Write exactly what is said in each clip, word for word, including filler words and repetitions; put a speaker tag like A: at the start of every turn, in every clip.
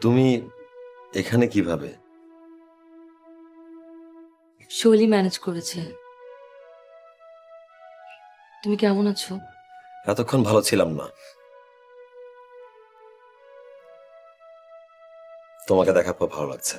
A: তুমি এখানে কিভাবে?
B: শৈলী ম্যানেজ করেছে। তুমি কেমন আছো?
A: এতক্ষণ ভালো ছিলাম না, তোমাকে দেখার পর ভালো লাগছে।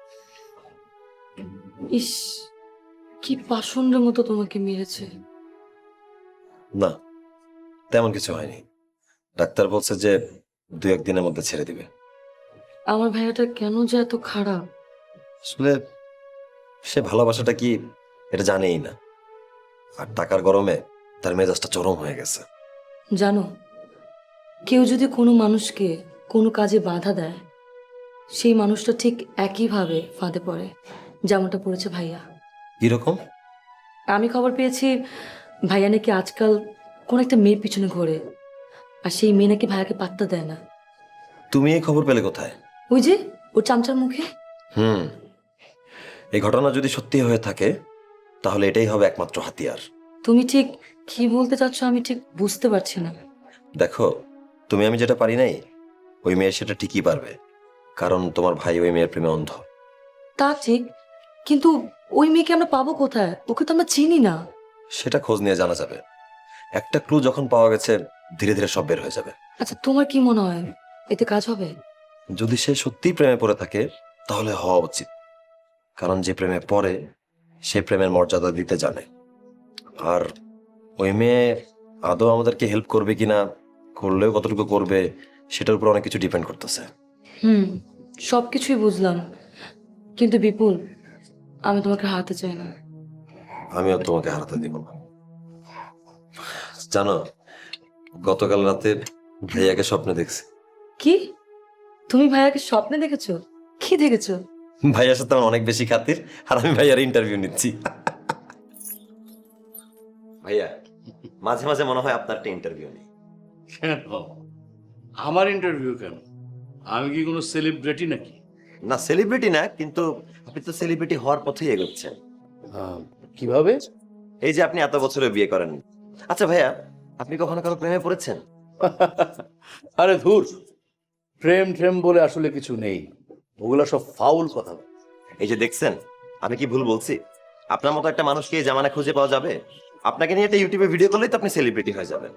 B: ইস, কি পাষণ্ডের মতো তোমাকে মেরেছে।
A: না, তেমন কিছু হয়নি। ডাক্তার বলছে যে দু একদিনের মধ্যে ছেড়ে দিবে।
B: আমার ভাইয়াটা কেন যে এত খারাপ।
A: আসলে সে ভালোবাসাটা কি এটা জানেই না, আর টাকার গরমে তার মেজাজটা চরম হয়ে গেছে।
B: জানো, কেউ যদি কোনো মানুষকে কোনো কাজে বাধা দেয়, সেই মানুষটা ঠিক একইভাবে ফাঁদে পড়ে, যেমনটা পড়েছে ভাইয়া।
A: কিরকম?
B: আমি খবর পেয়েছি ভাইয়া নাকি আজকাল কোন একটা মেয়ের পিছনে ঘোরে, আর সেই মেয়ে নাকি ভাইয়াকে পাত্তা দেয় না।
A: তুমি এই খবর পেলে কোথায়?
B: ওই যে ওর চামচার মুখে।
A: হুম, এই ঘটনা যদি সত্যি হয়ে থাকে তাহলে এটাই হবে একমাত্র হাতিয়ার।
B: তুমি ঠিক কি বলতে চাচ্ছ আমি ঠিক বুঝতে পারছি না।
A: দেখো, তুমি আমি যেটা পারি নাই, ওই মেয়ে সেটা ঠিকই পারবে, কারণ তোমার ভাই ওই মেয়ের প্রেমে অন্ধ।
B: তা ঠিক, কিন্তু ওই মেয়েকে আমরা পাবো কোথায়? ওকে তো আমরা চিনি না।
A: সেটা খোঁজ নিয়ে জানা যাবে। একটা ক্লু যখন পাওয়া গেছে ধীরে ধীরে সব বের হয়ে যাবে।
B: আচ্ছা, তোমার কি মনে হয় এতে কাজ হবে?
A: যদি সে সত্যিই প্রেমে পড়ে থাকে তাহলে হওয়া উচিত, কারণ যে প্রেমে পড়ে সে প্রেমের মর্যাদা দিতে জানে। আর ওই মেয়ে আদৌ আমাদেরকে হেল্প করবে কিনা, করলেও কতটুকু করবে, সেটার উপর অনেক কিছু ডিপেন্ড করতেছে।
B: হুম, সবকিছুই বুঝলাম, কিন্তু বিপুল, আমি তোমাকে হারাতে চাই না।
A: আমিও তোমাকে হারাতে দিব না। জানো, গতকাল রাতে ভাইয়াকে স্বপ্নে দেখছি।
B: কি? তুমি ভাইয়াকে স্বপ্নে দেখেছো? কি দেখেছো?
A: ভাইয়ার সাথে আমার অনেক বেশি খাতির, আর আমি ভাইয়ার ইন্টারভিউ নিচ্ছি। ভাইয়া, মাঝে মাঝে মনে হয় আপনার একটা ইন্টারভিউ নেই।
C: কেন আমার ইন্টারভিউ কেন? আমি কি কোনো সেলিব্রিটি নাকি?
A: না, সেলিব্রিটি না, কিন্তু আপনি তো সেলিব্রিটি হওয়ার পথেই এগোচ্ছেন।
C: আহ, কিভাবে?
A: এই যে আপনি এত বছরে বিয়ে করেন। আচ্ছা ভাইয়া, আপনি কখনো কারো প্রেমে পড়েছেন?
C: আরে ধুর, প্রেম ট্রেম বলে আসলে কিছু নেই, ওগুলা সব ফাউল কথা।
A: এই যে দেখছেন, আমি কি ভুল বলছি? আপনার মতো একটা মানুষকে এই জামানা খুঁজে পাওয়া যাবে? আপনাকে নিয়ে একটা ইউটিউবে ভিডিও করলেই তো আপনি সেলিব্রিটি হয়ে যাবেন।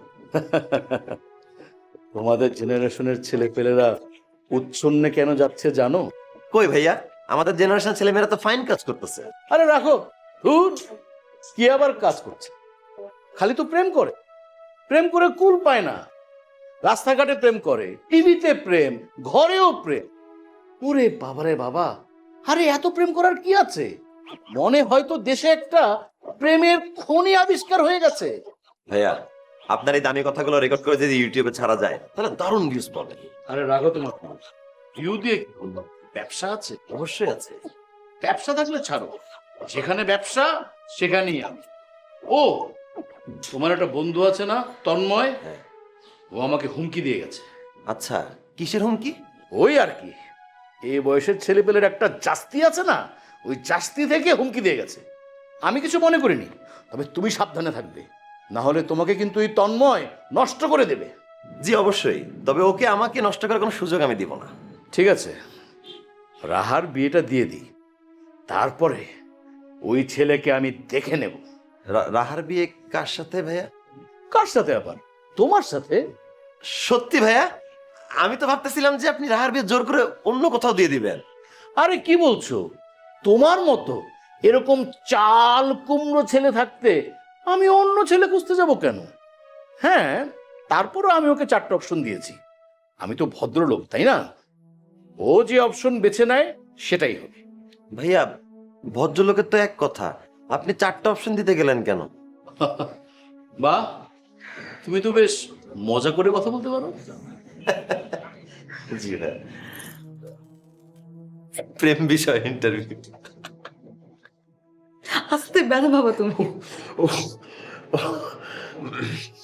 C: তোমাদের জেনারেশনের ছেলে পেলেরা উচ্ছন্নে কেন যাচ্ছে জানো?
A: কই ভাইয়া, আমাদের জেনারেশন ছেলেমেয়েরা তো ফাইন কাজ করতেছে।
C: আরে রাখো, ধুর, কি আবার কাজ করছে? খালি তো প্রেম করে, প্রেম করে কুল পায় না। রাস্তাঘাটে প্রেম করে, টিভিতে প্রেম, ঘরেও প্রেম। ওরে বাবারে বাবা, আরে এত প্রেম করার কি আছে? মনে হয়তো দেশে একটা প্রেমের খনি আবিষ্কার হয়ে গেছে।
A: ভাইয়া, আপনার এই দামি কথাগুলো রেকর্ড করে যদি ইউটিউবে ছাড়া যায় তাহলে দারুণ ভিউজ পাবে।
C: আরে রাখো তোমার ভিউ দিয়ে কি করবো? ব্যবসা আছে,
A: অবশ্যই আছে।
C: ব্যবসা থাকলে ছাড়ো, যেখানে ব্যবসা সেখানেই আমি। ও, তোমার একটা বন্ধু আছে না, তন্ময়?
A: হ্যাঁ।
C: ও আমাকে হুমকি দিয়ে গেছে।
A: আচ্ছা, কিসের হুমকি?
C: ওই আর কি, এই বয়সের ছেলেপেলের একটা জাস্তি আছে না, ওই জাস্তি থেকে হুমকি দিয়ে গেছে। আমি কিছু মনে করিনি, তবে তুমি সাবধানে থাকবে, না হলে তোমাকে কিন্তু এই তন্ময় নষ্ট করে দেবে।
A: জি অবশ্যই, তবে ওকে আমাকে নষ্ট করার কোনো সুযোগ আমি দিব না।
C: ঠিক আছে, রাহার বিয়েটা দিয়ে দিই, তারপরে ওই ছেলেকে আমি দেখে নেব।
A: রা- রাহার বিয়ে কার সাথে ভাইয়া?
C: কার সাথে আবার? তোমার সাথে।
A: সত্যি ভাইয়া? আমি তো ভাবতেছিলাম যে আপনি রাহার বিয়ে জোর করে অন্য কোথাও দিয়ে দিবেন।
C: আরে কি বলছো? তোমার মতো এরকম চাল কুমড়ো ছেলে থাকতে আমি অন্য ছেলে খুঁজতে যাব কেন? হ্যাঁ, তারপরও আমি ওকে চারটে অপশন দিয়েছি। আমি তো ভদ্রলোক, তাই না? ও যে অপশন বেছে নেয় সেটাই হবে।
A: ভাইয়া, ভদ্রলোকের তো এক কথা, আপনি চারটা অপশন দিতে গেলেন কেন?
C: বা, তুমি তো বেশ মজা করে কথা বলতে পারো।
A: জি ভাইয়া, প্রেম বিষয় ইন্টারভিউ।
B: আস্তে ব্যথা বাবা তুমি।